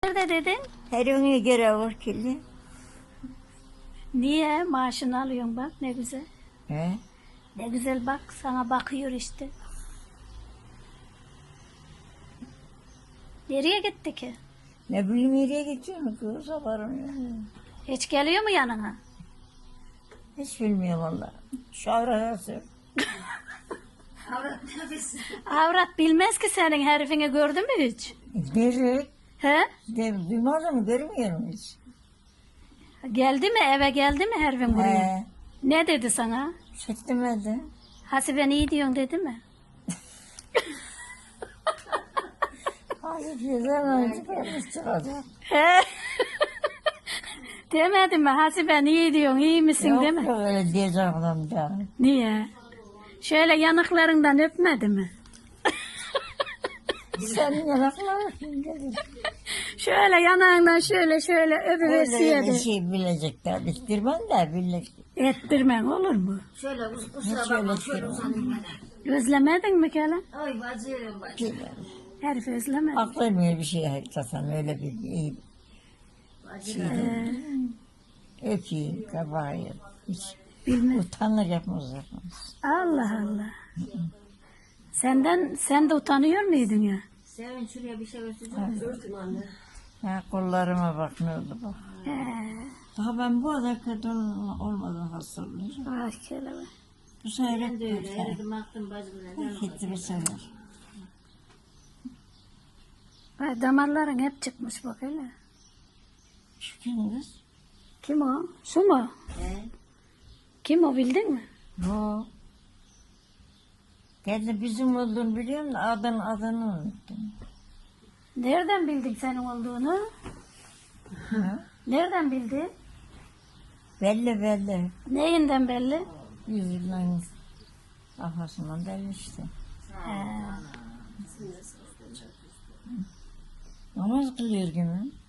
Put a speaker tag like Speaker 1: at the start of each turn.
Speaker 1: Nerede dedin?
Speaker 2: Her ona göre var kirli.
Speaker 1: Niye? Maaşını alıyorsun bak ne güzel.
Speaker 2: He?
Speaker 1: Ne güzel bak sana bakıyor işte. Nereye gitti ki?
Speaker 2: Ne bileyim nereye gidiyorum kız haberim yok.
Speaker 1: Hiç geliyor mu yanına?
Speaker 2: Hiç bilmiyorum valla. Şu arası.
Speaker 1: Avrat bilmez ki senin herifini gördü mü hiç?
Speaker 2: Nereye?
Speaker 1: He?
Speaker 2: Duymadım mı görmüyorum hiç.
Speaker 1: Geldi mi eve geldi mi herifin buraya?
Speaker 2: He.
Speaker 1: Ne dedi sana?
Speaker 2: Hiç demedi.
Speaker 1: Hasiben iyi diyorsun dedi mi?
Speaker 2: Hadi güzel önce gelmiş çıkacak.
Speaker 1: He? Demedi mi Hasiben iyi diyorsun iyi misin
Speaker 2: Yok
Speaker 1: değil mi?
Speaker 2: yok öyle diyeceğim adam da.
Speaker 1: Niye? Şöyle yanaklarından öpmedi mi?
Speaker 2: Senin yanakların dedi.
Speaker 1: Şöyle yanağından şöyle
Speaker 2: Öyle
Speaker 1: öpüversiyedi.
Speaker 2: şey bilecekler. Diktirmem de bilecek.
Speaker 1: Ettirmen olur mu?
Speaker 3: Şöyle
Speaker 2: Hiç öyle diktirmem.
Speaker 1: Özlemedin mi Kenan?
Speaker 3: Ay bacım bacım.
Speaker 1: Herif özlemedi.
Speaker 2: Aklamıyor bir şey hakikaten öyle bir iyi şey. Öpeyim, kabayım. Hiç
Speaker 1: Bilmez.
Speaker 2: utanır yapmaz.
Speaker 1: Allah Allah. Sen de utanıyor muydun ya?
Speaker 3: Sevin şuraya bir şey örteceğim. Örtün anne.
Speaker 2: Ha, kollarıma bak ne oldu bak.
Speaker 1: He.
Speaker 2: Daha ben bu kadar kadın olmadan hastalanacağım.
Speaker 1: Ay kelebek.
Speaker 2: Bu sefer
Speaker 3: Ben de öyle.
Speaker 2: hep
Speaker 3: Eridim aktım bacımla.
Speaker 2: gitti bir sefer.
Speaker 1: Ay damarların hep çıkmış bak hele.
Speaker 2: Şu kim kız?
Speaker 1: Kim o? Su mu?
Speaker 3: He.
Speaker 1: Kim o bildin mi?
Speaker 2: Bu. Kendi bizim olduğunu biliyorum da adını unuttum.
Speaker 1: Nereden bildin senin olduğunu? Nereden bildin?
Speaker 2: Belli belli.
Speaker 1: Neyinden belli?
Speaker 2: Yüzünden kafasından belli işte.
Speaker 1: He.
Speaker 2: Namaz kılıyor gibi.